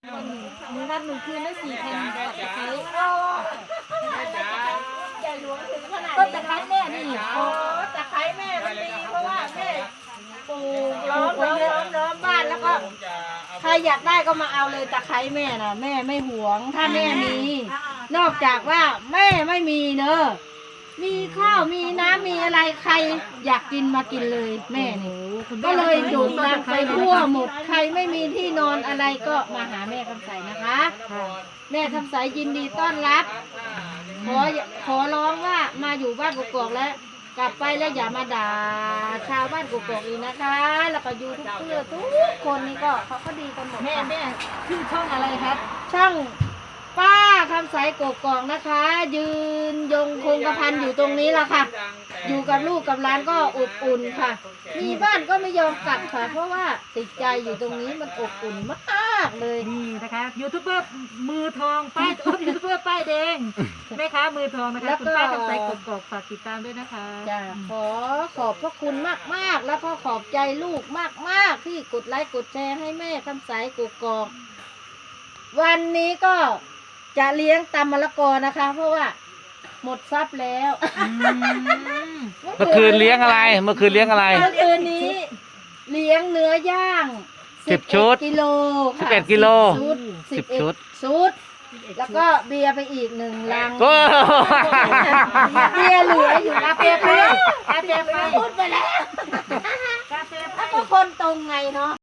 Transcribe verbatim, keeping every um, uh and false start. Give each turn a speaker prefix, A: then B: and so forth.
A: หนึ่งวันหนึ่งคืนได้สี่แผ่นตะไคร้ต้นตะไคร้แม่นี่โอ้ตะไคร้แม่มันดีเพราะว่าแม่ปลูกล้อมล้อมล้อมล้อมบ้านแล้วก็ใครอยากได้ก็มาเอาเลยตะไคร้แม่น่ะแม่ไม่หวงถ้าแม่มีนอกจากว่าแม่ไม่มีเนอะมีข้าวมีน้ำมีอะไรใครอยากกินมากินเลยแม่นี่ก็เลยโด่งดังไปทั่วหมดใครไม่มีที่นอนอะไรก็มาหาแม่คำใสนะคะแม่คำใสยินดีต้อนรับขอขอร้องว่ามาอยู่บ้านกกอกแล้วกลับไปแล้วอย่ามาด่าชาวบ้านกกอกอีกนะคะแล้วก็ยูทูบเบอร์ทุกคนนี่ก็เขาก็ดีกันหมดแม่แม่ชื่อช่องอะไรครับช่องป้าคำใสกกอกนะคะ ยืนยงคงกระพันอยู่ตรงนี้ล่ะค่ะอยู่กับลูกกับหลานก็อบอุ่นค่ะมีบ้านก็ไม่ยอมกลับค่ะเพราะว่าติดใจอยู่ตรงนี้มันอบอุ่นมากเลย
B: นี่นะคะยูทูบเบอร์มือทองป้ายโอ้ยูทูบเบอร์ป้ายแดงแม่ค้ามือทองนะคะคุณป้าคำใสกกอกฝากติดตามด้วยนะคะ
A: จ้ะขอขอบพระคุณมากมากแล้วก็ขอบใจลูกมากมากที่กดไลค์กดแชร์ให้แม่คำใสกกอกวันนี้ก็จะเลี้ยงตำมะละกอนะคะ เพราะว่าหมดทรัพย์แล้ว
C: เมื่อคืนเลี้ยงอะไรเมื่อคืนเลี้ยงอะไร
A: เมื่อคืนนี้เลี้ยงเนื้อย่าง
C: สิบชุด
A: กิโล
C: สิบเอ็ดกิโล
A: สิบชุดชุดแล้วก็เบียร์ไปอีกหนึ่งลังเบียร์เหลืออยู่กาแฟไปกาแฟไปพูดไปแล้วกาแฟไปก็คนตรงไงเนาะ